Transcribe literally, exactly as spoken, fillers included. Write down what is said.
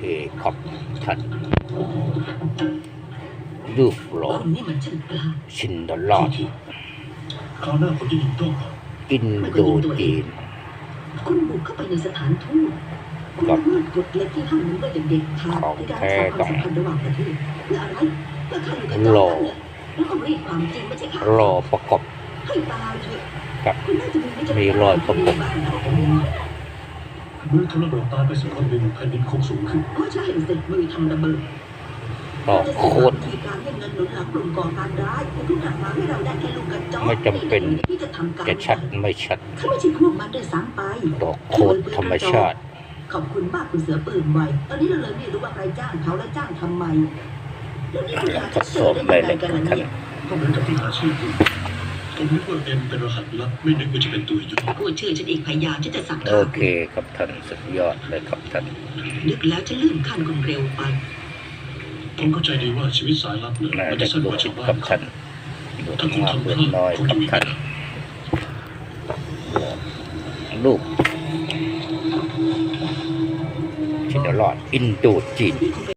ครับท่านรูปหล่อคนนี่มันช่างกล้าชินดอลลาร์คราวหน้าผมจะยิงโต้ก่อนอินโดจีนคุณบุกเข้าไปในสถานทูตคุณละเมิดกฎเหล็กที่ห้ามมันไว้อย่างเด็ดขาดในการสร้างความสัมพันธ์ระหว่างประเทศเพื่ออะไรเพื่อข้าอยู่กับเจ้านั่นแหละแล้วก็รีดความจริงไม่ใช่ข้ารอประกบให้ตายเถอะกับคุณน่าจะมีวิจารณมีรอยประกบบ้านเราเองมือทำระเบิดตายไปสักคนหนึ่งแผ่นดินคงสูงขึ้นก็ใช่สิมือทำระเบิดต่อโคตรมีการให้เงินหนุนหลังกลุ่มก่อการร้ายคุณทุกอย่างมาให้เราได้แค่ลูกกระจอกไม่จำเป็นที่จะทำการจะชัดไม่ชัดเขาไม่ใช่พวกมันด้วยซ้ำไปต่อโคตรธรรมชาติขอบคุณมากคุณเสือปืนไวตอนนี้เราเลยไม่รู้ว่าใครจ้างเขาและจ้างทำไมแล้วนี่คุณหาทดสอบได้เลยกันท่านนะเนี่ยก็เหมือนกับที่หาชื่อคุณผมนึกว่าเอ็มเป็นรหัสลับไม่นึกว่าจะเป็นตัวยุทธพูดชื่อฉันอีกพยายามที่จะสับโอเคครับท่านสุดยอดเลยครับท่านนึกแล้วจะลื่นขั้นคนเร็วไปผมเข้าใจดีว่าชีวิตสายลับเนี่ยน่ามันจะจะสั้นดูกว่าชาวบ้าครับนท่านดูถ้าคุณมากทำพเล็กลาดน้อยคงครับจะมีปัท่าญนหาลูกชินดอลลาร์อินโดจีนนี่คงเป็น